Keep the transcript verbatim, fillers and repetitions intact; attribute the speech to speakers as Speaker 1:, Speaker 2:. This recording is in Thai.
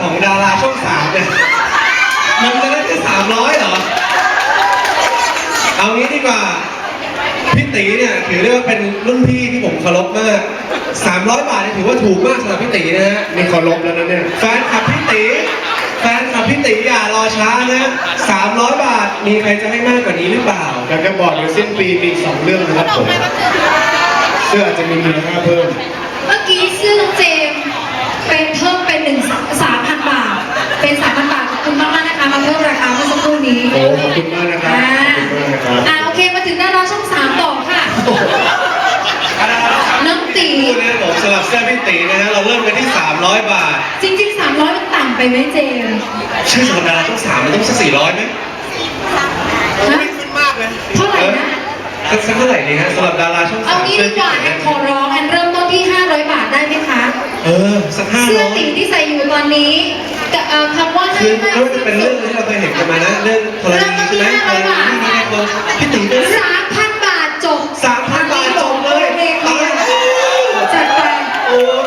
Speaker 1: ของดาราช่องสามเนี่ยมันจะได้แค่สามร้อยเหรอเอางี้ดีกว่าพี่ตีเนี่ยถือได้ว่าเป็นรุ่นพี่ที่ผมเคารพมากสามร้อยบาทนี่ถือว่าถูกมากสำหรับพี่ตีนะฮะ
Speaker 2: นี่เคารพแล้วนะเนี่ย
Speaker 1: แฟนคลับพี่ตีแฟนคลับพี่ตีอย่ารอช้านะสามร้อยบาทมีใครจะให้มากกว่านี้หรือเปล่า
Speaker 2: อยากจะบอกเดี๋ยวสิ้นปีมีสองเรื่องนะครับผมเสื้ออาจจะมีมูลค่าเพิ่ม
Speaker 3: เมื่อกี้เสื้อน้องเจมเป็นเพิ่มเป็นหนึ่งสามพันบาทเป็นสามพันบาทขอบคุณมากมากนะคะมาเพิ่มราคาเมื่อสักครู่นี้
Speaker 2: โอ้ขอบคุณมากนะครับขอบคุณมากนะครับ
Speaker 3: อ่าโอเคมาถึงดาราช่องสามต่อค่ะน้องตี
Speaker 1: นะผมสำหรับเสื้อพี่ตีนะฮะเราเริ่มกันที่สามร้อยบาท
Speaker 3: จริงๆสามร้อยมันต่ำไปไหมเจม
Speaker 1: ใช่สำหรับดาราช่องสามมันต้องสักสี่ร้อยไหม
Speaker 3: ไม่ขึ้นมากเลยเท่าไหร่นะ
Speaker 1: สักเท่าไหร่ดีฮะสำหรับดาราช่องสาม
Speaker 3: เอางี้ดีกว่าแอนขอร้องแอนเริ่มต้นที่ห้าร้อยบาทได้ไหมคะ
Speaker 1: เออสักห้าร้อย
Speaker 3: เสื้อตีที่ใส่อยู่ตอนนี้กับคำว่า
Speaker 1: คือไม่ว่าจะเป็นเรื่องที่เราเคยเห็นกันมานะเรื่องธรณี